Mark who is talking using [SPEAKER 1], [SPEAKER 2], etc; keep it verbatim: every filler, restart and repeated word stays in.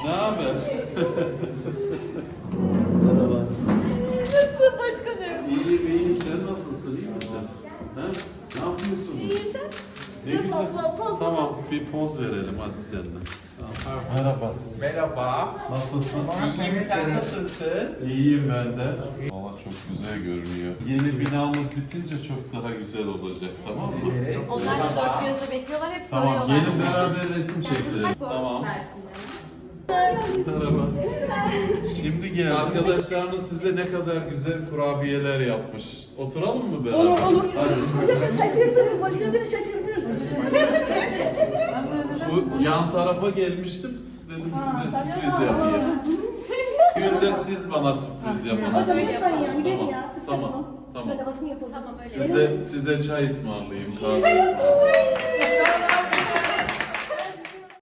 [SPEAKER 1] Ne haber? Merhaba.
[SPEAKER 2] Nasılsın başkanım?
[SPEAKER 1] İyiyim iyiyim. Sen nasılsın? İyi misin? Ha? Ne yapıyorsunuz?
[SPEAKER 2] İyi sen?
[SPEAKER 1] Ne güzel.
[SPEAKER 2] Poz, poz, poz.
[SPEAKER 1] Tamam bir poz verelim hadi seninle. Tamam. Merhaba.
[SPEAKER 3] Merhaba.
[SPEAKER 1] Nasılsın?
[SPEAKER 3] İyiyim, sen nasılsın?
[SPEAKER 1] İyiyim ben de. Valla çok güzel görünüyor. Yeni binamız bitince çok daha güzel olacak, tamam mı?
[SPEAKER 3] Evet.
[SPEAKER 4] Onlar da dört gözle bekliyorlar, hep
[SPEAKER 1] Tamam,
[SPEAKER 4] soruyorlar.
[SPEAKER 1] gelin beraber resim çekelim. Tamam. Merhaba. Şimdi gel. Arkadaşlarınız size ne kadar güzel kurabiyeler yapmış. Oturalım mı beraber?
[SPEAKER 2] Olur, olur.
[SPEAKER 1] Hadi.
[SPEAKER 2] Şaşırdınız, başkanım beni şaşırdınız.
[SPEAKER 1] Bu yan tarafa gelmiştim. Dedim size sürpriz yapayım. Gün de siz bana sürpriz yapın.
[SPEAKER 2] Hocam
[SPEAKER 4] Öyle
[SPEAKER 2] lütfen ya,
[SPEAKER 4] yapalım.
[SPEAKER 2] gidelim
[SPEAKER 1] Tamam,
[SPEAKER 2] ya. Sık
[SPEAKER 1] tamam,
[SPEAKER 2] yapalım.
[SPEAKER 1] tamam.
[SPEAKER 2] Böyle basın yapalım.
[SPEAKER 4] Tamam öyle.
[SPEAKER 1] Size size çay ısmarlayayım, kahve ısmarlayayım.